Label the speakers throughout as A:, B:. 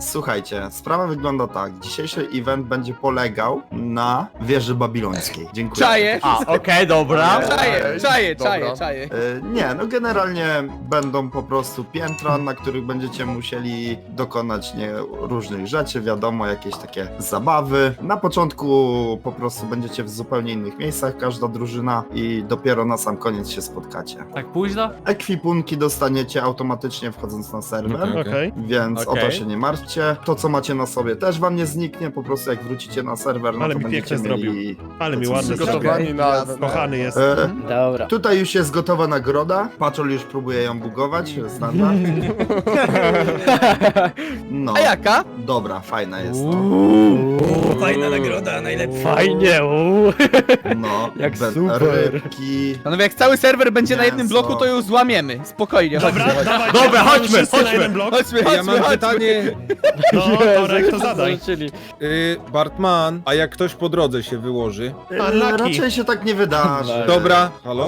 A: Słuchajcie, sprawa wygląda tak. Dzisiejszy event będzie polegał na wieży babilońskiej. Dziękuję.
B: Czaję.
C: Okej, dobra.
B: Czaję.
A: Nie, no generalnie będą po prostu piętra, na których będziecie musieli dokonać różnych rzeczy, wiadomo, jakieś takie zabawy. Na początku po prostu będziecie w zupełnie innych miejscach, każda drużyna, i dopiero na sam koniec się spotkacie.
C: Tak późno?
A: Ekwipunki dostaniecie automatycznie wchodząc na serwer.
D: Okej.
A: Więc o
C: Okej.
A: to się nie martwcie. To, co macie na sobie, też wam nie zniknie. Po prostu jak wrócicie na serwer, no
D: Ale
A: to
D: mi
A: będziecie
D: pięknie
A: mieli...
D: Ale mi
A: To
D: ładnie
A: przygotowani
D: zrobił. Kochany jest.
C: Dobra.
A: Tutaj już jest gotowa nagroda. Patrol już próbuje ją bugować. Standard. No.
B: A jaka?
A: Dobra, fajna jest.
E: Fajna nagroda, najlepsza.
C: Fajnie,
A: No.
C: Jak super.
A: Rybki.
B: Panowie, jak cały serwer będzie na jednym
A: Mięso.
B: bloku, to ją złamiemy. Spokojnie,
D: Dobra,
B: chodźmy.
D: dawaj.
C: Dobra, chodźmy,
D: Wszyscy na
C: chodźmy.
D: jeden blok.
B: Chodźmy.
F: Ja mam pytanie,
D: No, Torek, to zadaj.
F: Bartman, a jak ktoś po drodze się wyłoży?
D: Unlucky.
A: Raczej się tak nie wydarzy.
F: Dobra, halo?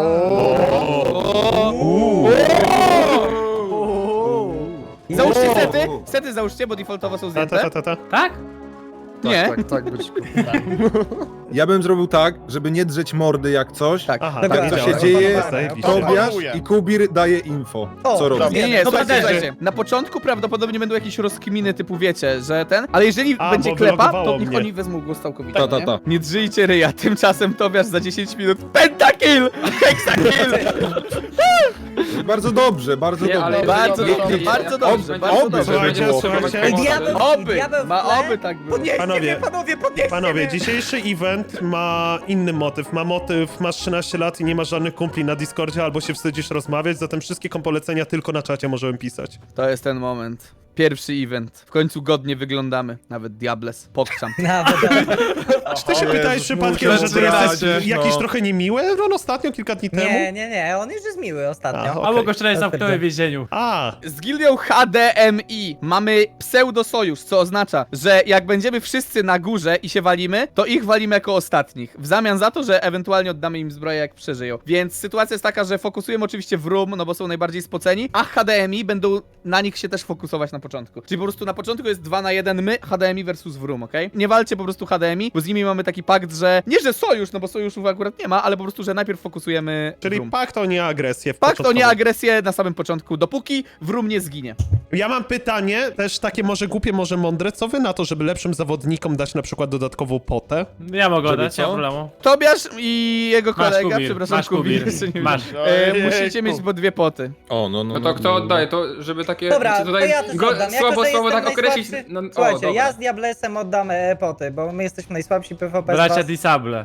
B: Załóżcie sety. Sety załóżcie, bo defaultowo są
D: Ta,
B: zdjęte.
D: ta, ta, ta.
C: Tak?
B: Nie.
E: Tak być.
F: Ja bym zrobił tak, żeby nie drzeć mordy jak coś.
B: Tak.
D: Aha,
E: Dobra,
D: tak
F: co
D: działa.
F: się dzieje,
D: Zajebiście.
F: Tobiasz i Kubir daje info,
E: O,
F: co robi.
E: dobra.
B: Nie,
C: Dobra,
B: słuchajcie. Na początku prawdopodobnie będą jakieś rozkminy typu wiecie, że ten, ale jeżeli
D: A,
B: będzie
D: bo
B: klepa,
D: wylogowało
B: to niech
D: mnie.
B: oni wezmą głos całkowicie.
F: Ta, ta,
B: nie?
F: ta.
B: Nie drżyjcie ryja, tymczasem Tobiasz za 10 minut pentakill! Hexakill!
F: Bardzo dobrze, bardzo
C: Nie, ale-
F: dobrze.
B: Bardzo dobrze, bardzo dobrze, bardzo
F: Oby,
B: dobrze.
F: żeby było.
D: Słuchajcie,
B: Oby,
E: Diabeł w
B: ma
E: tle.
B: oby tak było.
E: Podnieście
D: Panowie.
E: mnie, panowie, podnieście
D: Panowie,
E: mnie.
D: dzisiejszy event ma inny motyw. Ma motyw, masz 13 lat i nie masz żadnych kumpli na Discordzie albo się wstydzisz rozmawiać, zatem wszystkie polecenia tylko na czacie możemy pisać.
B: To jest ten moment. Pierwszy event. W końcu godnie wyglądamy. Nawet Diables. Pokczam.
D: Czy ty się pytałeś przypadkiem,
F: muszę
D: że ty jesteś
F: zdradzić,
D: jakiś
F: no.
D: trochę niemiły? Ron ostatnio, kilka dni temu?
E: Nie, on już jest miły ostatnio.
D: A,
C: Albo go wczoraj zamknąłem w więzieniu.
D: A,
B: Z gildią HDMI mamy pseudo-sojusz, co oznacza, że jak będziemy wszyscy na górze i się walimy, to ich walimy jako ostatnich. W zamian za to, że ewentualnie oddamy im zbroję, jak przeżyją. Więc sytuacja jest taka, że fokusujemy oczywiście w room, no bo są najbardziej spoceni, a HDMI będą na nich się też fokusować na początku. Czyli po prostu na początku jest 2 na 1 my, HDMI versus Vroom, okej? Nie walcie po prostu HDMI, bo z nimi mamy taki pakt, że nie, że sojusz, no bo sojuszów akurat nie ma, ale po prostu, że najpierw fokusujemy
D: czyli
B: Vroom.
D: pakt o nieagresję. w
B: Pakt o
D: początkowo.
B: nieagresję na samym początku, dopóki Vroom nie zginie.
D: Ja mam pytanie, też takie może głupie, może mądre. Co wy na to, żeby lepszym zawodnikom dać na przykład dodatkową potę?
C: Ja mogę
F: Żeby
C: dać, nie ma
F: co?
C: problemu.
B: Tobiasz i jego
C: Masz,
B: kolega,
C: Kubir,
B: przepraszam,
C: masz,
B: Kubir,
C: Kubir.
B: jeszcze nie
C: Masz.
B: musicie mieć po 2 poty.
F: O, no,
G: No to kto oddaje to, żeby takie...
E: Dobra,
G: czy
E: to
G: tutaj
E: ja też oddam. Jako,
G: słabo
E: że
G: słowo
E: jestem
G: tak określić...
E: najsłabszy-
G: No,
E: Słuchajcie,
G: dobra.
E: ja z Diablesem oddam poty, bo my jesteśmy najsłabsi PvP z
C: Bracia
E: was.
C: Disable.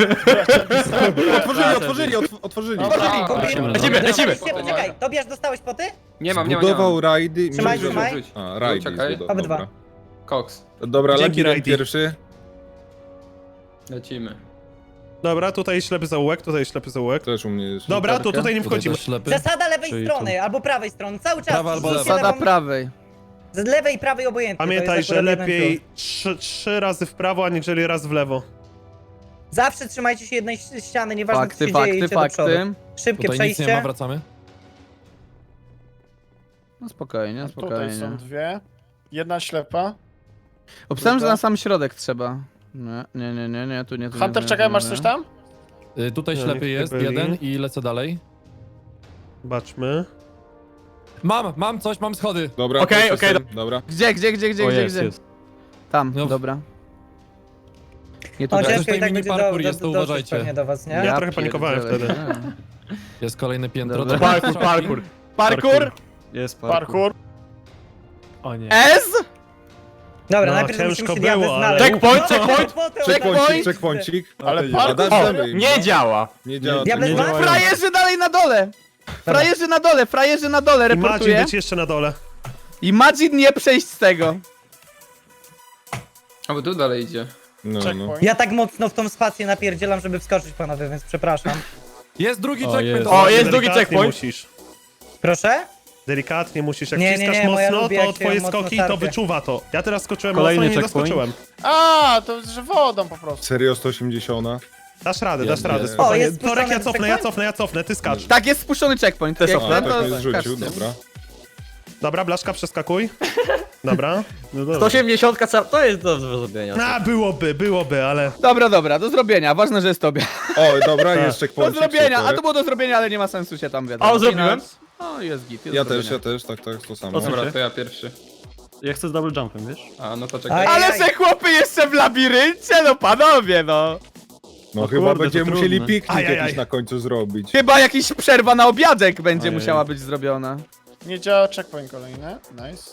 F: Otworzyli.
C: Lecimy.
E: Poczekaj, Tobiasz, dostałeś poty?
G: Nie mam.
F: Budował rajdy.
E: Trzymaj,
F: Rzuć.
E: trzymaj.
F: A, rajdy
G: Czekaj.
F: zbudował,
E: Obydwa.
F: dobra.
G: Koks.
F: Dobra,
D: Dzięki,
F: Lucky
D: Rajdy.
F: pierwszy.
G: Lecimy.
D: Dobra, tutaj ślepy zaułek, tutaj ślepy zaułek.
F: Też u mnie jest.
D: Dobra, to tutaj nie wchodzimy.
E: Zasada lewej strony, albo prawej strony, cały czas.
H: Prawa albo
E: idźcie
B: Zasada
E: lewą-
B: prawej.
E: Z lewej i prawej obojętnie. to
D: Pamiętaj,
E: jest
D: że
E: akurat jeden
D: lepiej
E: plus.
D: trzy razy w prawo, aniżeli raz w lewo.
E: Zawsze trzymajcie się jednej ściany, nieważne co
B: Fakty,
E: się dzieje,
B: fakty,
E: idźcie do przodu.
B: fakty.
E: Szybkie
H: Tutaj nic nie ma,
E: przejście.
H: wracamy.
B: No spokojnie,
I: Tutaj
B: spokojnie.
I: są dwie. Jedna ślepa.
B: Obstałem, że na sam środek trzeba. Nie, tu nie.
I: Hunter, czekaj, masz coś tam?
H: Tutaj
D: No,
H: ślepy
D: niech
H: jest,
D: nie byli.
H: jeden i lecę dalej.
D: Zobaczmy.
H: Mam coś, mam schody.
F: Dobra,
C: Okej,
F: to
C: okej,
F: jestem- Dobra.
B: Gdzie? Tam,
H: No.
B: dobra. Nie
E: O,
B: tutaj.
H: Coś
E: ciężko i
H: tutaj
E: tak
H: mini
E: będzie
H: parkour
E: do,
H: jest, to
E: dotrzeć
H: uważajcie.
E: pewnie do was, nie?
D: Ja trochę panikowałem
B: pierdzielę.
D: wtedy.
H: Jest kolejne piętro.
B: Dobra.
H: To
C: Parkour.
B: Parkour!
C: Jest
I: Parkour.
C: O nie.
B: S!
E: Dobra,
D: No,
E: najpierw
D: ciężko
E: musimy się diabły
D: było,
E: znaleźć.
D: ale-
C: Checkpoint,
F: Checkpointik, checkpointik.
I: Ale
F: A
I: parkour?
F: dalej.
C: Nie działa.
F: Nie działa.
E: Diabeł
F: to nie
E: ma?
F: działa.
B: Frajerzy dalej na dole! Frajerzy na dole,
D: I Madzi
B: reportuję.
D: być jeszcze na dole.
B: Imagine nie przejść z tego.
G: A bo tu dalej idzie.
F: No, no.
I: Checkpoint.
E: Ja tak mocno w tą spację napierdzielam, żeby wskoczyć, panowie, więc przepraszam.
H: Jest drugi
C: O,
H: checkpoint.
C: jest.
H: O,
C: jest drugi
D: Delikatnie
C: checkpoint.
D: musisz.
E: Proszę?
D: Delikatnie musisz. Jak
E: Nie, nie,
D: wciskasz
E: nie, bo ja
D: mocno,
E: lubię,
D: to
E: jak się
D: twoje
E: mocno
D: skoki to
E: tarpię.
D: wyczuwa to. Ja teraz skoczyłem
C: Kolejny
D: mocno i nie
C: checkpoint.
D: doskoczyłem.
I: A, to że wodą po prostu.
F: Serio 180.
D: Dasz radę,
F: Nie,
D: dasz
F: nie.
D: radę.
F: O,
D: Spokojnie.
E: jest
D: Torek, ja
E: spuszczony
D: cofnę, ja cofnę, ty skacz.
B: Tak, jest spuszczony checkpoint.
C: Też
B: Jak
C: cofnę.
F: A,
B: ten,
F: tak
B: to
F: mnie zrzucił,
B: skaczcie.
F: dobra.
D: Dobra, Blaszka, przeskakuj. Dobra.
C: No dobra.
J: 180 to jest do zrobienia.
D: A, byłoby, ale...
B: Dobra, do zrobienia, ważne, że jest tobie.
F: O, dobra,
D: Tak.
F: jest
B: Do
F: checkpoint.
B: zrobienia, a to było do zrobienia, ale nie ma sensu się tam wiadomo.
J: O, zrobiłem?
B: O, jest git, jest
F: Ja
B: do
F: też,
B: zrobienia.
F: tak, to samo.
C: O co?
G: Dobra, to ja pierwszy.
C: Ja chcę z double jumpem, wiesz?
G: A, no to czekaj.
E: Aj.
B: Ale że chłopy jeszcze w labiryncie, no panowie, no.
F: No
C: O
F: chyba
C: kurde,
F: będziemy
C: to
F: musieli
C: trudne.
F: piknik
D: Ajajaj.
F: jakiś na końcu zrobić.
B: Chyba jakiś przerwa na obiadek będzie
C: Ojej.
B: musiała być zrobiona.
I: Nie działa checkpoint kolejny. Nice.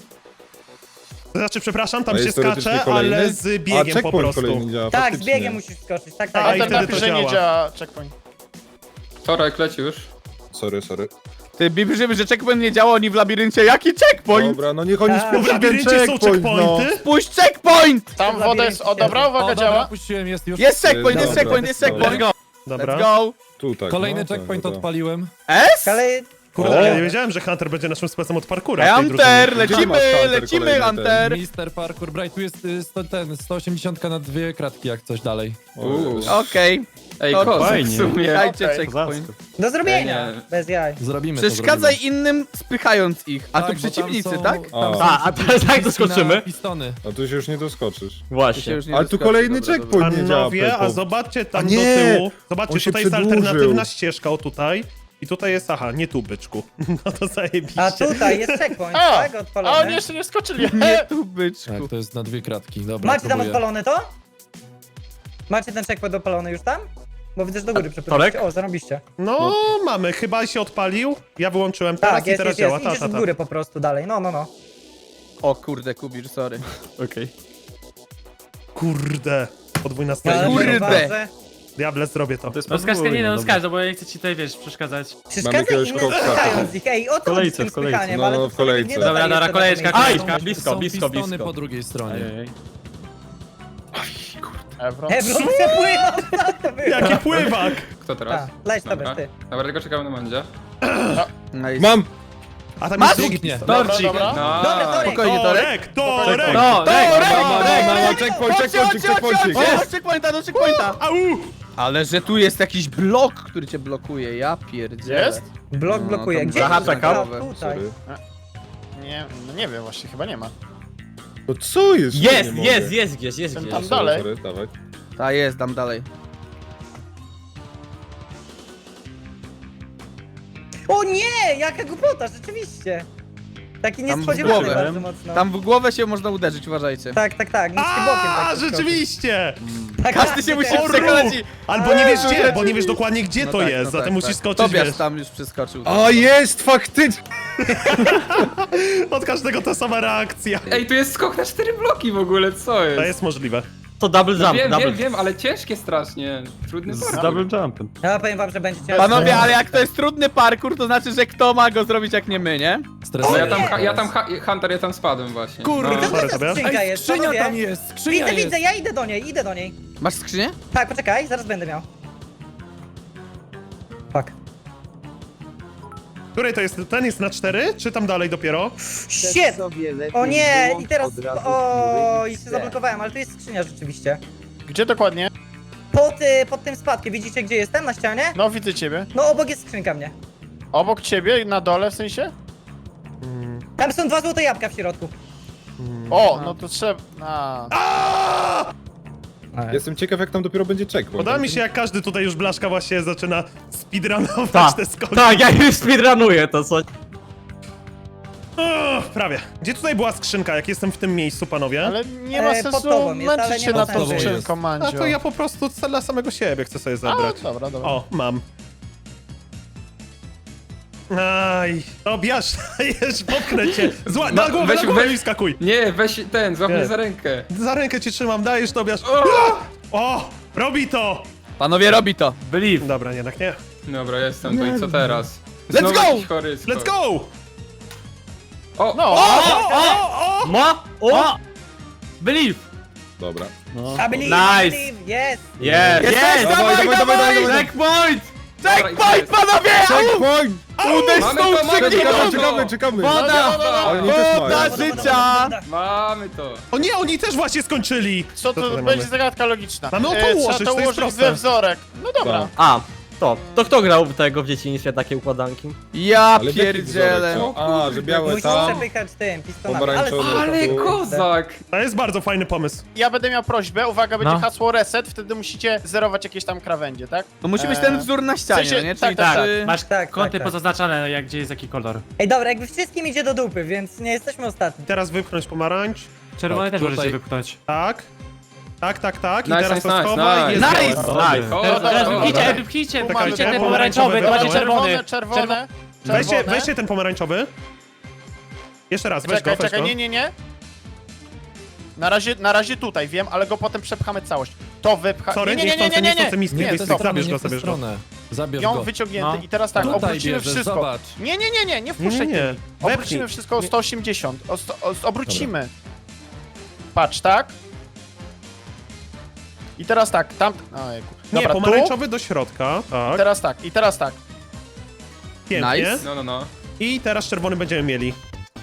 D: Znaczy, przepraszam, tam
F: A
D: się
F: jest teoretycznie
D: skacze,
F: kolejny?
D: ale z
F: A
D: biegiem po
F: checkpoint
D: prostu.
F: kolejny działa,
E: Tak, z
F: faktycznie.
E: biegiem musisz skoczyć, tak,
D: A,
E: tak.
D: i
I: A
D: wtedy
I: napisz,
D: to
I: że nie
D: działa.
I: działa checkpoint.
G: Torek, leci już.
F: Sorry.
B: Ty bibrzy, że checkpoint nie działa, oni w labiryncie. Jaki checkpoint?
F: Dobra, no niech oni
E: Tak.
D: W
F: spuszczą ten
D: labiryncie są
F: checkpoint, no.
D: checkpointy.
B: Puść checkpoint!
I: Tam woda jest... O, dobra, uwaga,
H: O, dobra,
I: działa.
H: puściłem, jest już.
B: Jest checkpoint, jest
F: Dobra,
B: checkpoint, jest
F: dobra.
B: checkpoint.
D: Dobra.
B: Let's go.
F: Tu tak,
H: Kolejny
F: no,
H: checkpoint
F: tak.
H: odpaliłem.
B: S?
E: Ale...
D: Kurde, ja nie wiedziałem, że Hunter będzie naszym specem od parkura w tej
B: Hunter,
D: drużynie.
F: Gdzie masz Hunter
B: lecimy,
F: kolejny
B: Hunter.
H: Mister Parkour Bright, tu jest 180 na 2 kratki jak coś dalej.
B: Okej,
G: Ej,
B: To
G: kozak
C: fajnie.
G: w sumie.
B: dajcie
I: Okej.
B: checkpoint.
E: Do zrobienia,
G: Nie.
E: bez jaj.
H: Zrobimy to.
B: Przeszkadzaj innym, spychając ich. A
H: Tak,
B: tu
H: bo tam
B: przeciwnicy,
H: są-
B: tak?
H: tam
F: A.
H: są
J: A teraz jak
H: przyciski
J: doskoczymy?
H: na Pistony.
F: A tu się już nie doskoczysz.
B: Tu się
J: Właśnie.
B: już nie
F: Ale tu
B: doskoczy,
F: kolejny
B: dobra,
F: checkpoint.
B: dobra.
F: nie działa,
D: Panowie, a
F: Pepo.
D: zobaczcie tam
F: A
D: do
F: nie!
D: tyłu.
F: On
D: Zobaczcie,
F: się
D: tutaj jest
F: przedłużył.
D: alternatywna ścieżka, o tutaj. I tutaj jest, aha, nie tu, byczku. No to zajebiście.
E: A tutaj jest checkpoint,
I: A!
E: tak?
I: A oni
E: Odpalony.
I: jeszcze nie skoczyli.
B: Nie tu, byczku.
H: Tak, to jest na 2 kratki. Dobra,
E: Macie tam
H: próbuję.
E: odpalone to? Macie ten checkpoint odpalony już tam? Bo widzę, że do góry
J: Torek?
E: przepływacie. O, zarobiście.
D: No, mamy, chyba się odpalił. Ja wyłączyłem teraz
E: Tak,
D: i
E: jest,
D: teraz
E: jest,
D: działa.
E: jest. Idziesz w
D: Ta.
E: górę po prostu dalej. No.
B: O kurde, Kubir, sorry.
C: Okej.
D: Kurde. Podwójna
E: Ale
D: strona.
B: Kurde.
E: zauważę.
D: Diable, zrobię to.
C: To jest
J: No skacz, nie no,
C: dobra.
J: skacz, bo ja nie chcę ci tutaj, wiesz, przeszkadzać.
E: Przeszkadza
F: jakiegoś
E: innym
F: koksa.
E: spychając ich. Ej, o co chodzi z tym
C: W kolejce.
E: spychaniem?
F: No,
E: Ale to
F: w kolejce.
E: nie
J: Dobra,
E: dodaje
J: dobra,
E: jeszcze
J: kolejeczka,
E: do tego
J: kolejeczka.
E: miejsca.
J: Blisko,
H: Są
J: blisko,
H: pistony
J: blisko.
H: po drugiej stronie.
C: Ej.
I: Ebron.
E: Ebron przepływa, co to było?
D: Jaki pływak!
G: Kto teraz?
E: A, leć sobie,
G: Dobra.
E: ty.
G: Dobra, tylko czekamy na mandzie.
B: Nice.
F: Mam!
D: A tam
B: Masz?
D: jest drugi
H: Pięknie.
D: piston.
I: Dobra, dobra.
G: No.
E: Dobra, Torek.
B: Spokojnie, Torek.
D: Torek!
J: No,
B: Checkpoint, do checkpointa.
D: Au!
B: Ale że tu jest jakiś blok, który cię blokuje, ja pierdzielę.
I: Jest?
E: Blok
B: No,
E: blokuje.
B: tam
E: Gdzie?
B: zahacza
E: A,
B: kawę.
E: tutaj.
F: Sorry.
I: Nie, no nie wiem właśnie, chyba nie ma.
F: No co jest? Nie
J: Jest,
F: mogę.
J: jest gdzieś.
I: Ten tam
F: Sorry,
I: dalej.
F: sorry, dawaj.
B: Ta jest, dam dalej.
E: O nie! Jaka głupota, rzeczywiście. Taki
B: Tam w
E: niespodziewany
B: głowę.
E: bardzo mocno.
B: Tam w głowę się można uderzyć, uważajcie.
E: Tak, niskim bokiem.
D: A,
E: tak
D: rzeczywiście!
E: Tak,
B: Każdy się
E: tak,
B: musi
E: tak.
B: przekonać i...
D: Albo nie wiesz
B: Jezu,
D: gdzie, bo nie wiesz dokładnie gdzie
B: No
D: to
B: tak,
D: jest,
B: no
D: zatem
B: tak,
D: musisz
B: tak.
D: skoczyć,
B: Tobiasz
D: wiesz.
B: tam już przeskoczył.
F: A jest, faktycznie!
D: Od każdego ta sama reakcja.
G: Ej, tu jest skok na 4 bloki w ogóle, co jest?
D: To jest możliwe.
J: To double jump, double.
G: Wiem, ale ciężkie strasznie. Trudny
C: Z
G: parkour.
C: double jumpem.
E: Ja powiem wam, że będzie ciężko.
B: Panowie, ale jak to jest trudny parkour, to znaczy, że kto ma go zrobić jak nie my, nie?
G: No
H: Stresuję.
G: Hunter, ja tam spadłem właśnie.
B: Kurde.
G: No.
D: Sorry,
E: Ta
D: Tobiasz.
E: skrzynka
H: Ej,
E: jest,
H: skrzynia
E: panowie.
H: tam jest, skrzynia jest.
E: Widzę, ja idę do niej.
B: Masz skrzynię?
E: Tak, poczekaj, zaraz będę miał. Fuck.
D: Której to jest? Ten jest na 4, czy tam dalej dopiero?
E: Shit! O nie, i teraz... O, i się zablokowałem, ale tu jest skrzynia rzeczywiście.
I: Gdzie dokładnie?
E: Pod tym spadkiem, widzicie gdzie jestem? Na ścianie?
I: No widzę ciebie.
E: No obok jest skrzynka mnie.
I: Obok ciebie, na dole w sensie?
E: Tam są 2 złote jabłka w środku.
I: O, no to trzeba... A.
F: Jestem ciekaw, jak tam dopiero będzie checkpoint.
D: Podoba mi się, jak każdy tutaj już blaszka właśnie zaczyna speedrunować
J: Tak,
D: te skoki.
J: tak, ja już speedrunuję to, co?
D: Prawie. Gdzie tutaj była skrzynka, jak jestem w tym miejscu, panowie?
I: Ale nie ma
E: pod
I: sensu
E: tobą jest, ale
I: męczyć
E: nie
I: się
E: ma
I: nad tą
E: sensu.
I: skrzynką, Mandzio.
D: A to ja po prostu dla samego siebie chcę sobie zabrać.
I: A, dobra, dobra.
D: O, mam. Aj, Tobiasz, dajesz, popchnę cię. Na głowę,
G: weź-
D: na głowę
G: weź-
D: i skakuj.
G: Nie, weź ten, złap
D: Nie.
G: mnie za rękę.
D: Za rękę cię trzymam, dajesz, Tobiasz. O, robi to.
B: Panowie, robi to.
J: Believe.
D: Dobra, jednak nie.
G: Dobra, jestem to i co teraz?
B: Let's
G: Znowu
B: go!
G: jakiś chory skok.
D: Let's go!
G: O,
I: No,
J: Ma? O! Believe.
F: Dobra.
C: No.
E: I believe,
J: Nice.
E: I believe, yes!
J: Jest,
B: Jest, dawaj!
J: Checkpoint!
B: Checkpoint, panowie!
F: Checkpoint! Czekamy.
J: Woda!
F: Ale nie też
B: Woda
F: mają.
B: życia!
G: mamy to.
D: O nie, oni też właśnie skończyli.
I: co
D: tutaj
I: to
D: mamy?
I: będzie zagadka logiczna.
D: Mamy o to
I: Trzeba
D: ułożyć,
I: to
D: to jest
I: ułożyć
D: proste.
I: we wzorek. No dobra.
F: Tak.
J: A, To kto grał w tego w dzieciństwie, takie układanki?
B: Ja
F: Ale w jaki
B: pierdzielę.
F: wzorek? A, że białe
E: Musisz
F: tam,
E: przepychać tym pistonami, ale
F: pomarańczowe
G: Ale
F: tu.
G: kozak!
D: To jest bardzo fajny pomysł.
I: Ja będę miał prośbę, uwaga, będzie
J: No.
I: hasło reset, wtedy musicie zerować jakieś tam krawędzie, tak?
B: To musi być ten wzór na ścianie,
I: w sensie-
B: no nie?
I: tak,
B: Czyli
I: tak,
B: czy...
J: Masz
E: Tak,
J: kąty
E: tak, tak.
J: pozaznaczane, jak gdzie jest jaki kolor.
E: Ej, dobra, jakby wszystkim idzie do dupy, więc nie jesteśmy ostatni.
D: Teraz wypchnąć pomarańcz.
J: Czerwony
H: Tak,
J: też
H: tutaj-
J: możecie wypchnąć.
D: Tak. Tak. I
G: Nice,
D: teraz
G: nice,
D: to
G: nice,
D: schowaj.
G: nice.
D: Jest
B: Nice!
D: gotowe.
J: Nice.
G: O,
I: Teraz
G: dobra,
I: wypchnijcie,
G: dobra.
J: wypchnijcie,
I: Tu
J: wypchnijcie
I: mamy
J: ten
I: pomarańczowy,
J: pomarańczowy, to macie czerwony.
I: Czerwone.
D: Weźcie ten pomarańczowy. Jeszcze raz, weź
I: Czekaj,
D: go, weź
I: czekaj,
D: go.
I: nie. Na razie tutaj, wiem, ale go potem przepchamy całość. To wypcha...
D: Sorry,
I: Nie.
D: chcę miski,
E: Nie,
H: Nie, w tę
D: zabierz
H: stronę,
D: go,
H: nie w tę
D: zabierz go.
H: stronę. Zabierz
I: Ją
H: go.
I: wyciągnięty
J: No.
I: i teraz tak,
H: Tutaj
I: obrócimy
H: bierzesz,
I: wszystko.
H: zobacz.
I: Nie wpuszczaj
D: Nie,
I: tymi.
D: wepchnij.
I: Obrócimy wszystko o 180. Obrócimy. Patrz, tak? I teraz tak, tam... Ojejku.
D: Nie,
I: Dobra,
D: pomarańczowy do środka.
I: tu,
D: Tak,
I: i teraz tak.
D: pięknie.
B: Nice.
G: No.
D: I teraz czerwony będziemy mieli.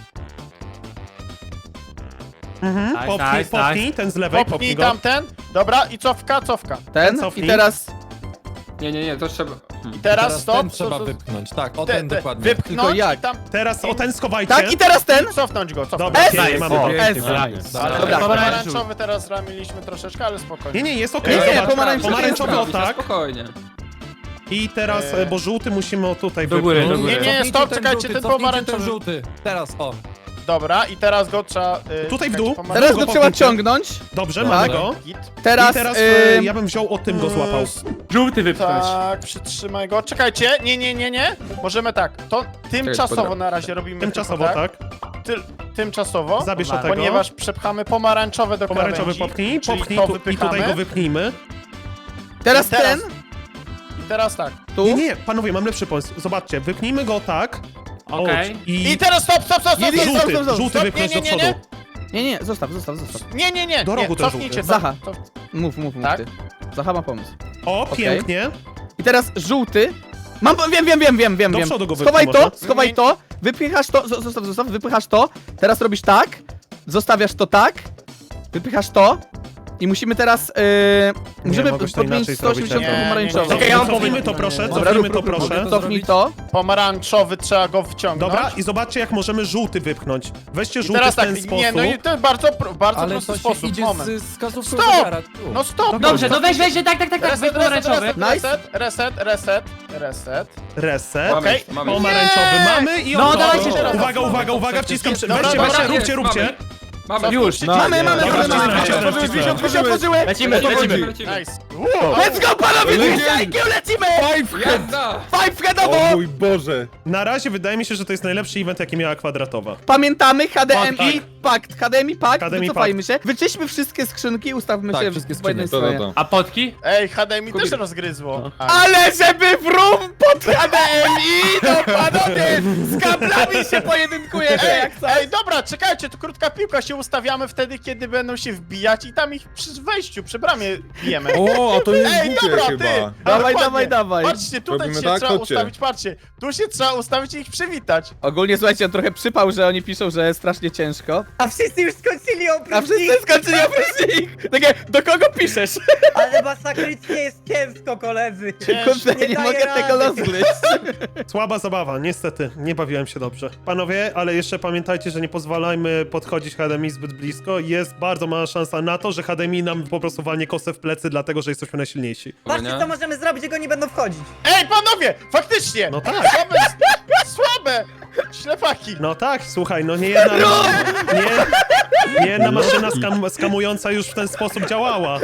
J: Nice,
D: Popchnij,
J: nice,
D: popchnij, ten z lewej, popchnij
I: Popnij
D: go.
I: tamten. Dobra, i cofka.
B: Ten
D: cofnij.
B: i teraz...
G: Nie, to trzeba...
I: I teraz stop.
H: ten trzeba wypchnąć. Tak, o ten dokładnie.
I: Wypchnąć
B: Tylko jak?
I: i tam...
D: Teraz o ten schowajcie.
B: Tak, i teraz ten!
I: I cofnąć go, cofnąć.
D: Dobra,
B: S.
D: pięknie, mamy
B: O,
D: to.
B: S.
I: Ale
B: Dobra.
I: pomarańczowy teraz ramiliśmy troszeczkę, ale spokojnie.
D: Nie, jest okej,
B: Nie,
D: zobacz.
B: pomarańczowy
D: Pomarańczowy o
G: Robić, na
D: tak.
G: spokojnie.
D: I teraz, bo żółty musimy o tutaj
J: Do góry,
D: wypchnąć.
J: do góry.
I: Nie,
H: Cofnijcie
I: stop,
H: ten
I: czekajcie,
H: żółty,
I: ten
H: cofnijcie
I: pomarańczowy.
H: ten żółty. Teraz, o.
I: Dobra, i teraz go trzeba...
D: Tutaj w
I: czekajcie,
D: dół.
I: pomarańczowy.
B: Teraz go trzeba
D: popchnijcie.
B: ciągnąć.
D: Dobrze,
B: Tak.
D: mamy go.
I: Git.
B: Teraz...
D: I teraz ja bym wziął o tym go złapał.
J: Żółty wypchnąć.
I: Tak, przytrzymaj go. Czekajcie, nie. Możemy tak, to tymczasowo
G: Czekaj,
I: na razie robimy.
D: Tymczasowo,
I: tylko
D: tak?
I: Tymczasowo.
D: Zabierz o tego.
I: Ponieważ przepchamy pomarańczowe do
D: Pomarańczowy
I: krawędzi,
D: popchnij,
I: czyli
D: popchnij
I: to
D: tu, i tutaj
I: wypychamy.
D: go wypnijmy.
B: Teraz
I: I teraz-
B: ten,
I: I teraz tak.
B: tu.
D: Nie, panowie, mam lepszy pomysł. Zobaczcie, wypnijmy go tak.
J: Okej.
D: I
I: I teraz stop.
B: Nie,
D: żółty,
B: stop.
D: żółty
I: Stop,
D: wypchnąć do
I: nie.
D: przodu.
B: Nie, zostaw.
I: Nie.
D: Do rogu ten
I: Cofnijcie
D: żółty.
I: to.
B: Zacha.
I: To-
B: Mów
I: Tak?
B: ty. Zacha ma pomysł.
D: O,
B: Okej.
D: pięknie.
B: I teraz żółty. Mam, wiem.
D: Do przodu go
B: Schowaj
D: wypchnij
B: to,
D: może.
B: schowaj to, wypychasz to, zostaw, wypychasz to. Teraz robisz tak, zostawiasz to tak, wypychasz to. I musimy teraz, musimy
D: mogłeś to
B: podmienić
D: inaczej zrobić,
B: 180
I: nie, nie,
B: pomarańczowy.
I: nie.
D: Okej,
I: ja mam
D: cofnijmy
I: pomysł.
D: to proszę,
B: Dobra,
D: cofnijmy to
B: rób,
D: proszę.
B: Cofnij to.
I: Pomarańczowy trzeba go wciągnąć.
D: Dobra, i zobaczcie jak możemy żółty wypchnąć. Weźcie
I: I
D: żółty
I: teraz
D: w ten
I: tak,
D: sposób.
I: nie, no i to jest bardzo
H: Ale
I: prosty
H: to się
I: sposób.
H: idzie
I: Moment.
H: z kasówką
I: Stop!
H: zegara, tu.
I: No stop!
J: Dobrze, no weź, tak,
I: Reset,
J: pomarańczowy.
B: Nice.
D: Reset.
G: Mamy,
I: Okej.
G: mamy.
D: Pomarańczowy mamy i
J: No,
D: on
J: dawajcie
I: teraz.
D: Uwaga, wciskam.
I: Dobra,
D: Weźcie,
I: dobra,
D: róbcie.
G: Mamy.
J: Już.
B: Mamy.
D: Dobra, wcisnąłem.
B: Otworzyły.
J: Lecimy.
I: Nice.
B: Let's go, panowie, lecimy!
G: Jazda!
B: Five headowo!
F: O mój Boże.
D: Na razie wydaje mi się, że to jest najlepszy event, jaki miała kwadratowa.
B: Pamiętamy HDMI Pakt,
D: HDMI
B: wycofajmy się, wyczyśmy wszystkie skrzynki, ustawmy
H: Tak,
B: się
H: wszystkie
B: po jednej
H: skrzynie.
B: stronie.
J: A potki?
I: Ej, HDMI też rozgryzło.
B: Ale żeby wrum pod HDMI, to panowie, z kablami się pojedynkujemy jak coś.
I: Ej, dobra, czekajcie, to krótka piłka, się ustawiamy wtedy, kiedy będą się wbijać i tam ich przy wejściu, przy bramie bijemy.
F: O, a to jest
I: Ej,
F: głupie
I: dobra,
F: chyba.
I: ty!
B: Dawaj,
I: Dokładnie.
B: dawaj.
I: Patrzcie, tutaj
F: Robimy
I: się
F: tak?
I: trzeba
F: Chodźcie.
I: ustawić, patrzcie. Tu się trzeba ustawić i ich przywitać.
B: Ogólnie słuchajcie, on trochę przypał, że oni piszą, że strasznie ciężko.
E: A wszyscy już skończyli
B: A
E: oprócz
B: wszyscy
E: nich,
B: skończyli oprócz nich. Takie, do kogo piszesz?
E: ale masakrycznie jest ciężko, koledzy.
B: Kurde,
E: Nie
B: nie
E: daję
B: mogę tego
E: rady.
B: rozgryźć.
D: Słaba zabawa, niestety, nie bawiłem się dobrze. Panowie, ale jeszcze pamiętajcie, że nie pozwalajmy podchodzić HDMI zbyt blisko. Jest bardzo mała szansa na to, że HDMI nam po prostu walnie kosę w plecy, dlatego że jesteśmy najsilniejsi.
E: Patrzcie, co możemy zrobić, jak oni będą wchodzić.
I: Ej, panowie, faktycznie!
D: No tak.
I: Słabe! Ślepaki!
D: No tak, słuchaj, no nie jedna maszyna skamująca już w ten sposób działała.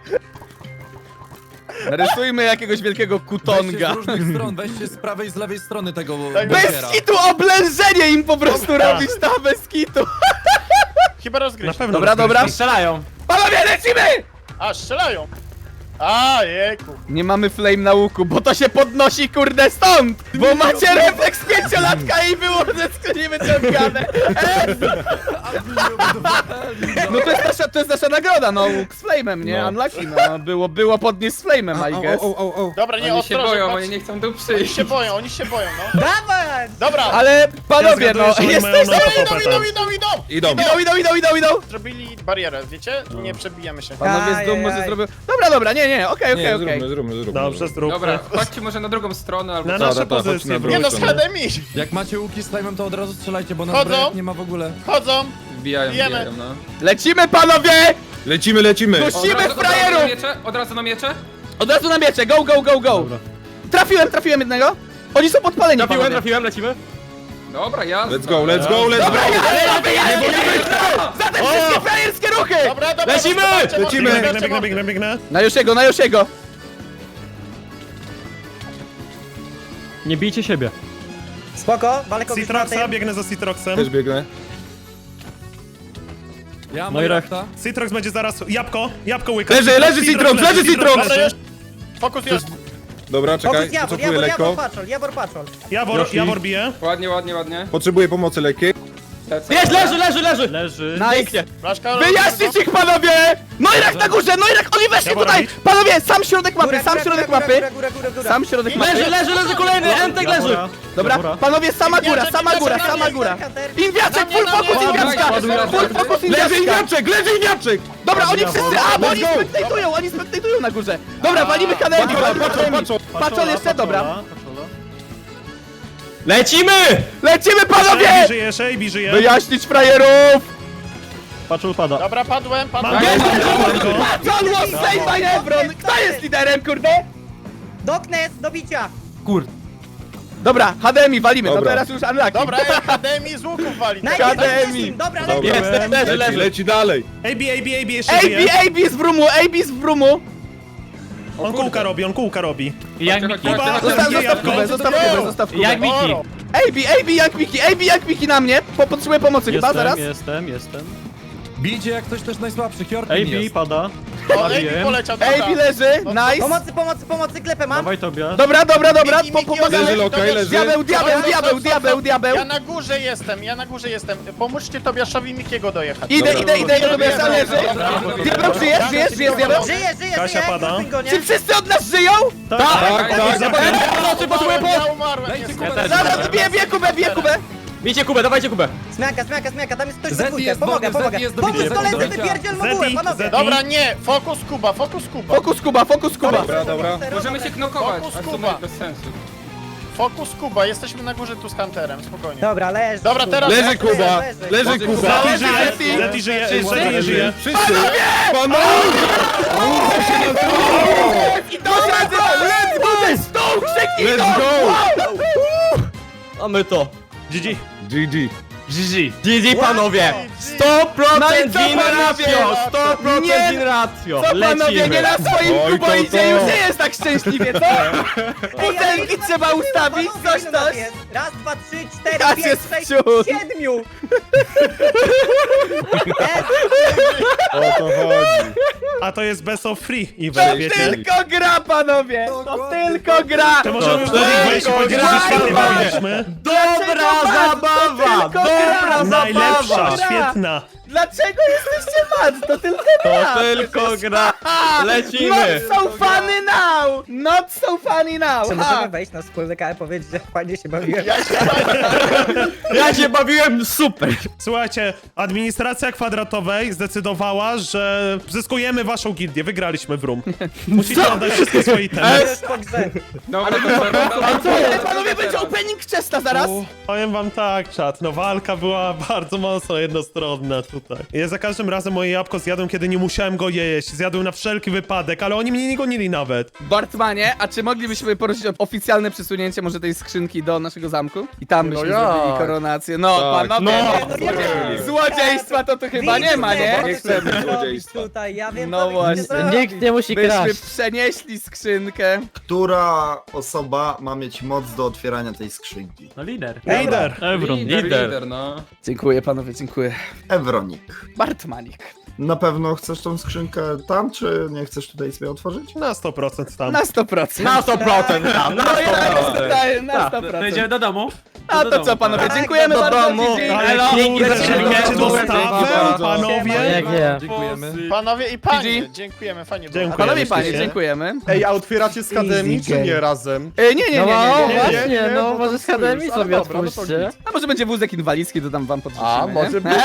B: Rysujmy jakiegoś wielkiego
H: Weźcie
B: kutonga.
H: z różnych stron, weźcie z prawej i z lewej strony tego
I: Tak,
B: Bez
H: bunkera.
B: kitu oblężenie im po prostu robić tam, bez kitu.
I: Chyba
D: Na
I: rozgryźć.
D: pewno.
B: Dobra, dobra.
J: Strzelają.
B: Panowie, lecimy!
I: A, strzelają! A, jejku.
B: Nie mamy flame na łuku, bo to się podnosi kurde stąd! Bo macie refleks 5-latka i było ze skrzyni wyciągane! No to jest nasza nagroda, no, łuk z flame'em, nie?
F: No.
B: Unlucky, no. Było podnieść z flame'em, I guess.
I: Dobra, nie,
G: Oni się
I: ostrożnie,
G: boją,
I: patrz.
G: oni nie chcą tu
I: Oni
G: przyjść.
I: się boją, no.
E: Dawać!
I: Dobra,
B: Ale panowie,
D: Ja
B: no,
D: zgaduję, że oni mają
B: jesteś...
D: na to popetę.
I: idą.
B: Idą!
I: Zrobili barierę, wiecie? Nie przebijemy się.
B: Panowie z domu może
E: Ajajaj.
B: zrobią... Dobra, nie, okej.
F: Zróbmy.
D: Dobrze, zróbmy.
G: Dobra, chodźcie może na drugą stronę albo
D: Na
G: coś.
D: nasze
F: chodź
D: pozycje
F: na
D: wróć.
I: Nie no, z HDMI!
H: Jak macie łuki z flame'em, to od razu strzelajcie, bo na
I: Chodzą.
H: zbrojach nie ma w ogóle.
I: Chodzą!
G: Wbijają,
I: Bijemy.
G: no.
B: Lecimy, panowie!
F: Lecimy.
B: Musimy frajerów!
G: Od razu na miecze?
B: Od razu na miecze, go! Trafiłem jednego. Oni są podpaleni, panowie.
C: Trafiłem, lecimy.
G: Dobra, ja.
F: Let's go.
B: Za te wszystkie frajerskie ruchy!
I: Dobra,
C: Lecimy!
D: Biegnę.
B: Na Josiego.
C: Nie bijcie siebie.
E: Spoko, walę kogoś na
D: Citroxa,
E: tym.
D: biegnę za Citroxem.
F: Też biegnę.
H: Ja mam
C: No i
H: rachta.
D: Citrox będzie zaraz... Jabłko łyka.
F: Leży Citrox, leży Citrox!
I: Dobra, już. Fokus jest.
F: Dobra, czekaj,
E: Fokus Jawor,
F: cofuję lekko.
E: Jawor patrzol.
D: Jawor bije.
G: Ładnie.
F: Potrzebuję pomocy lekkiej.
G: Lecę.
C: Jest, leży.
B: Nice.
I: Blaszka,
B: Wyjaśnić ich, panowie! Noirak na górze, Noirak, oni weszli
D: Jawor
B: tutaj!
D: robić?
B: Panowie, sam środek mapy,
E: Góra, góra.
B: Sam środek mapy.
C: Leży kolejny, Entek leży.
B: Dobra, panowie, sama góra. Inwiaczek, full focus Inwiaczka! Full focus Inwiaczka!
F: Leży Iniaczek!
B: Dobra, oni wszyscy, bo oni spektatują na górze. Dobra, walimy HDMI, Patrzą jeszcze, dobra.
C: Lecimy!
B: Lecimy, panowie!
D: AB żyje.
B: Wyjaśnić frajerów!
C: Patrzul pada.
I: Dobra, padłem.
D: Mam go.
B: John was slain by Ebron! Kto jest liderem, kurde?
E: Doknes, do bicia.
B: Dobra, HDMI walimy, to
F: Dobra.
B: teraz już unlucky.
I: Dobra, Akademii z łuków wali.
E: Najpierw
B: Akademii.
E: Doknes, dobra,
F: Dobra.
E: lepiej.
F: Leci dalej.
D: AB jeszcze żyje.
B: AB z Brumu!
D: On kółka robi.
J: Jak
G: Chodźcie,
J: Miki.
G: chodźcie, chodźcie.
B: Zostaw Kubę.
J: Jak Miki.
B: AB jak Miki na mnie! Potrzebuję pomocy chyba, zaraz.
C: Jestem.
H: Bijcie jak ktoś też najsłabszy, Hjorkin
C: AB
H: jest.
C: pada.
I: O, AB poleciał, dobra.
B: AB leży, nice.
E: Pomocy, klepę mam.
C: Dawaj tobie.
B: Dobra,
I: Miki,
B: pomagamy.
F: Leży lokaj, leży.
B: Diabeł.
I: Ja na górze jestem. Pomóżcie Tobiaszowi Mikiego dojechać.
B: Idę, Tobiasza leży. Diabeł, żyjesz, diabeł?
E: Żyje,
D: Kasia pada.
B: Czy wszyscy od nas żyją?
F: Tak.
I: Ja umarłem.
H: Dajcie
I: niestety.
H: Kubę,
B: Zaraz, bije Kubę.
C: Bijcie Kubę, dawajcie Kubę.
E: Zmianka, tam jest ktoś
H: Zeti
E: we dwójkę.
H: jest
E: Pomogę.
H: dobry, Zeti jest dobry.
E: Pomóż koledzy,
H: Zeti.
E: wypierdziel mogułę, panowie.
D: Zeti.
I: Dobra, nie, fokus Kuba.
B: Fokus Kuba.
F: Dobra.
G: Możemy się knokować,
I: Fokus
G: a to
I: Kuba.
G: bez sensu.
I: Fokus Kuba, jesteśmy na górze tu z Hunterem, spokojnie.
E: Dobra, leży.
I: Dobra, teraz-
F: Leży Kuba. Leży Kuba.
D: Zeti żyje.
F: Wszyscy. Panowie!
B: Let's go, ten stół, krzyknij
F: Let's go!
C: Mamy to.
D: GG.
F: GG.
C: GG panowie. 100%
B: No i co,
C: win
B: panowie?
C: ratio. 100%
B: Nie,
C: win ratio.
B: Co panowie, nie na swoim
F: Oj,
B: kuboidzie
F: to.
B: już nie jest tak szczęśliwie, co? Butelki trzeba ustawić, coś.
E: Raz, dwa, trzy, cztery,
B: Raz
E: pięć,
B: jest
E: sześć,
B: wciąż.
E: 7.
F: O to chodzi.
D: A to jest best of free
B: To
D: event, wiecie?
B: tylko gra, panowie! To tylko gra!
D: To możemy już do nich wejść i powiedzieć, że świetnie bawiliśmy.
C: Dobra zabawa. Dobra
D: Najlepsza,
C: zabawa.
D: świetna.
B: Dlaczego jesteście mad? To tylko gra!
C: To tylko gra. Lecimy.
B: Not so funny now! Not so funny now!
E: Czy
B: Ha.
E: możemy wejść na wspólny i powiedzieć, że fajnie się bawiłem?
C: Ja się bawiłem super.
D: Słuchajcie, administracja kwadratowej zdecydowała, że zyskujemy waszą gildię. Wygraliśmy w room. Musicie oddać wszystkie swoje itemy.
E: Już po grze.
G: Dobra, to
B: Ale panowie, będzie opening chesta zaraz!
D: Powiem wam tak, czat, no walka była bardzo mocno jednostronna tutaj. Ja za każdym razem moje jabłko zjadłem, kiedy nie musiałem go jeść. Zjadłem na wszelki wypadek, ale oni mnie nie gonili nawet.
B: Bartmanie, a czy moglibyśmy prosić o oficjalne przesunięcie może tej skrzynki do naszego zamku? I tam byśmy zrobili koronację. No,
F: Tak.
B: panowie,
F: No.
B: złodziejstwa to tu chyba nie ma, nie?
F: Nie chcemy złodziejstwa.
E: Tutaj, ja wiem,
B: No
E: co wy
B: właśnie.
E: chcecie zrobić.
C: Nikt nie musi
B: Byśmy przenieśli skrzynkę.
A: Która osoba ma mieć moc do otwierania tej skrzynki?
J: No lider.
D: Lider.
C: Evron,
G: lider, no.
B: Dziękuję panowie, dziękuję.
A: Ewronik.
B: Bartmanik.
A: Na pewno chcesz tą skrzynkę tam, czy nie chcesz tutaj sobie otworzyć?
D: Na 100% tam.
B: Na 100%.
C: Na 100% tam, na 100%.
B: Na 100%.
J: To idziemy do domu.
B: A to co, panowie,
E: Tak,
B: dziękujemy
E: do
B: bardzo.
C: domu.
B: GG.
D: Ale
C: Elo.
D: kurde,
C: Lecimy.
D: czy macie dostawę,
C: Dziękuję.
D: panowie?
E: Nie.
H: Dziękujemy.
I: Panowie i panie,
B: GG.
I: dziękujemy, fajnie było.
D: Dziękuję.
B: Panowie i panie,
D: Myślicie?
B: dziękujemy.
F: Ej, a otwieracie z HDMI
E: Easy
F: czy nie
E: game.
F: razem?
B: Nie.
F: Nie,
E: właśnie,
F: bo
E: no
F: tam
E: może z
F: sojusz,
E: HDMI
F: ale
E: sobie
F: dobra, no to
E: otwórzcie.
F: nic.
B: A może będzie wózek inwalidzki, to tam wam podrzucimy,
F: A,
B: nie?
F: może być.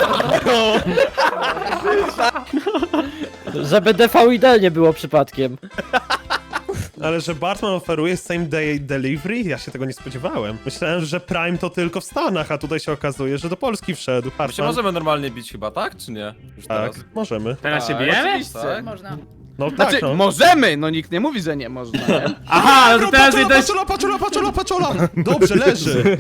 E: Żeby DVD nie było przypadkiem.
D: Ale że Bartman oferuje same day delivery? Ja się tego nie spodziewałem. Myślałem, że Prime to tylko w Stanach, a tutaj się okazuje, że do Polski wszedł.
C: My się
D: Bartman?
C: możemy normalnie bić chyba, tak? Czy nie? Już
D: Tak,
C: teraz.
D: możemy.
J: Teraz się
C: Tak,
J: bijemy?
B: Oczywiście.
C: Tak.
E: Można.
D: No
B: Znaczy,
D: tak, no.
B: możemy, no nikt nie mówi, że nie można, nie?
J: Aha, no to teraz
D: Paczola,
J: idę...
D: paczola! Dobrze, leży.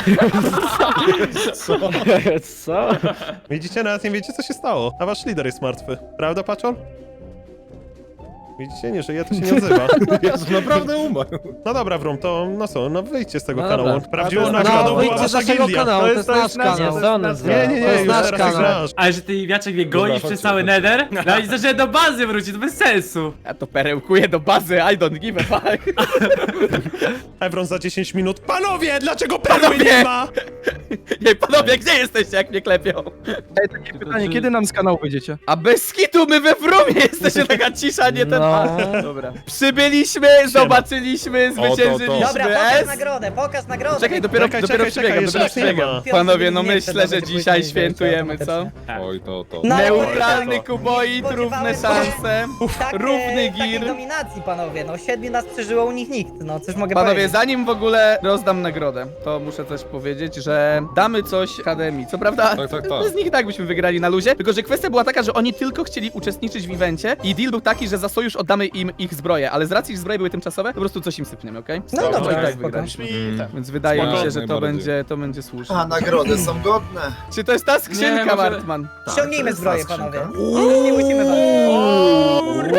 E: Co?
D: Widzicie, nawet nie wiecie, co się stało. A wasz lider jest martwy. Prawda, Paczol? Widzicie, nie żyje, to się nie odzywa.
F: Jezu, naprawdę umarł.
D: No dobra, Wrum, to no co, no wyjdźcie z tego
E: No
D: kanału.
E: dobra.
D: Prawdziwą nagrodą była wasza gildia.
F: To jest nasz kanał.
D: Nie, już teraz grasz.
J: Ale że ty wiaczek mnie gonisz
F: chodźcie,
J: przez cały
F: chodźcie.
J: nether? No i zacząłem do bazy wrócić, to bez sensu.
B: Ja to perełkuję do bazy, I don't give a fuck.
D: Evron za 10 minut. Panowie, dlaczego perły
B: Panowie!
D: nie ma?
B: Jej, panowie, gdzie jesteście, jak mnie klepią?
H: Pytanie, kiedy nam z kanału wyjdziecie?
B: A bez skitu my we Wrumie jesteśmy, taka cisza, nie ten...
E: No.
B: Dobra. Przybyliśmy, zobaczyliśmy, zwyciężyliśmy.
E: Dobra, pokaż nagrodę.
B: Czekaj, dopiero
D: Czekaj,
B: dopiero
D: czekaj,
B: przebiegam,
D: jeszcze
B: dopiero
D: raz nie ma.
B: przebiegam. Panowie, no
E: Nie chcę,
B: myślę,
E: to
B: że
E: będzie
B: dzisiaj
E: później
B: świętujemy, co?
E: automatycznie.
F: Oj, to.
E: No,
B: Neutralny kuboid, równe szanse.
E: Tak,
B: równy
E: takiej
B: gir.
E: dominacji, panowie. No 7 nas przeżyło, u nich nikt. No coś mogę
B: Panowie,
E: powiedzieć.
B: zanim w ogóle rozdam nagrodę, to muszę coś powiedzieć, że damy coś HDMI. Co prawda,
F: Tak.
B: bez nich i tak byśmy wygrali na luzie, tylko że kwestia była taka, że oni tylko chcieli uczestniczyć w evencie i deal był taki, że za sojusz oddamy im ich zbroje, ale z racji, że zbroje były tymczasowe, po prostu coś im sypniemy, okej?
E: No
B: To
E: dobra,
B: i tak
E: spoko.
B: wygraliśmy.
I: Świta.
B: Więc wydaje mi
F: Spoko.
B: się, że
F: Najbardziej.
B: to będzie słuszne.
A: A nagrody są godne.
B: Czy to jest ta skrzynka,
G: Nie, może-
B: Bartman?
E: Ściągnijmy
A: to
E: zbroję,
A: jest ta
E: panowie.
A: skrzynka.
E: Nie musimy walczyć.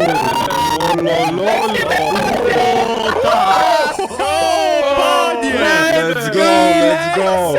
D: Panie!
F: Let's go!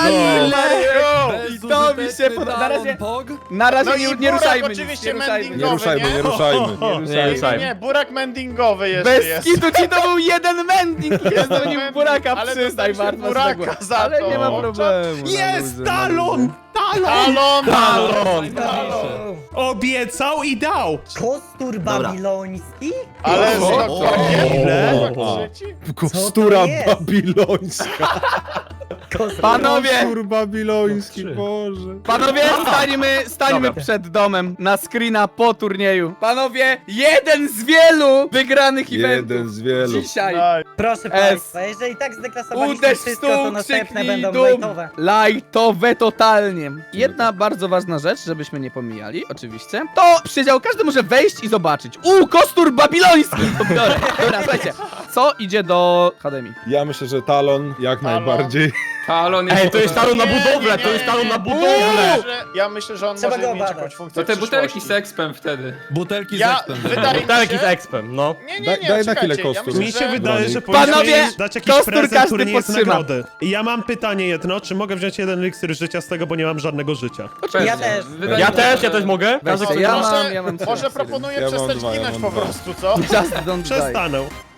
B: I to mi się podoba. Na razie
I: No
B: nie,
I: i
B: nie
I: Burak
B: ruszajmy nic,
I: oczywiście
B: nie ruszajmy.
F: Nie ruszajmy, nie ruszajmy.
I: Nie, Burak mendingowy jeszcze
B: Bez
I: jest.
B: skitu ci to był jeden mending, jest to nim buraka,
I: Ale
B: przyznaj,
I: dostaliśmy
B: Bartman.
I: buraka za
B: Ale
I: to.
B: nie ma problemu. na
D: Jest
B: luzie, na
D: talon!
B: luzie.
D: Talon!
I: Talon!
D: Obiecał i dał!
E: Kostur babiloński?
I: Ale
D: Ile?
F: Kostura
E: jest?
F: babilońska.
B: Panowie,
F: Kostur babiloński, Boże.
B: panowie, stańmy przed domem na screena po turnieju. Panowie, jeden z wielu wygranych eventów.
F: Jeden z wielu.
B: Dzisiaj.
E: Proszę
B: S.
E: państwa, jeżeli tak zdeklasowaliśmy
B: Uderz w
E: wszystko,
B: stół,
E: to następne
B: krzyknij
E: będą
B: dum.
E: lajtowe.
B: Lajtowe totalnie. Jedna bardzo ważna rzecz, żebyśmy nie pomijali, oczywiście. To przydział, każdy może wejść i zobaczyć. Kostur babiloński! To biorę. Dobra, słuchajcie. Co idzie do HDMI?
F: Ja myślę, że talon jak najbardziej.
G: Talon jest...
C: Ej, to jest talon na budowlę, to jest talon na budowlę!
I: Ja myślę, że on
E: Trzeba
I: może
E: go
I: mieć
E: badać.
I: jakąś funkcję
G: To te
I: w
G: butelki
I: przyszłości.
G: z expem wtedy.
H: Butelki z
I: Ja,
H: ekspem.
I: wydaje mi
C: Butelki
I: się...
C: z expem, no.
I: Nie,
F: Daj na chwilę
I: czekajcie,
F: kostur.
I: ja
D: Mi
I: myślę,
D: się
I: że...
D: wydaje, że
B: Panowie,
D: powinniśmy dać jakiś
B: kostur
D: prezent,
B: każdy
D: który nie jest
B: podtrzyma.
D: nagrody. I ja mam pytanie jedno, czy mogę wziąć jeden eliksir życia z tego, bo nie mam żadnego życia?
E: Ja też.
G: Wydaje
C: Ja
G: mi się,
C: też,
G: że-
C: ja też mogę?
B: Weźcie,
I: No,
B: ja
I: może,
B: mam
I: może
B: trzy.
I: proponuję
F: Ja mam
I: przestać
F: dwa, ja
I: ginąć
F: mam
I: po
F: dwa.
I: prostu, co?
B: Just don't die.
D: Przestanę.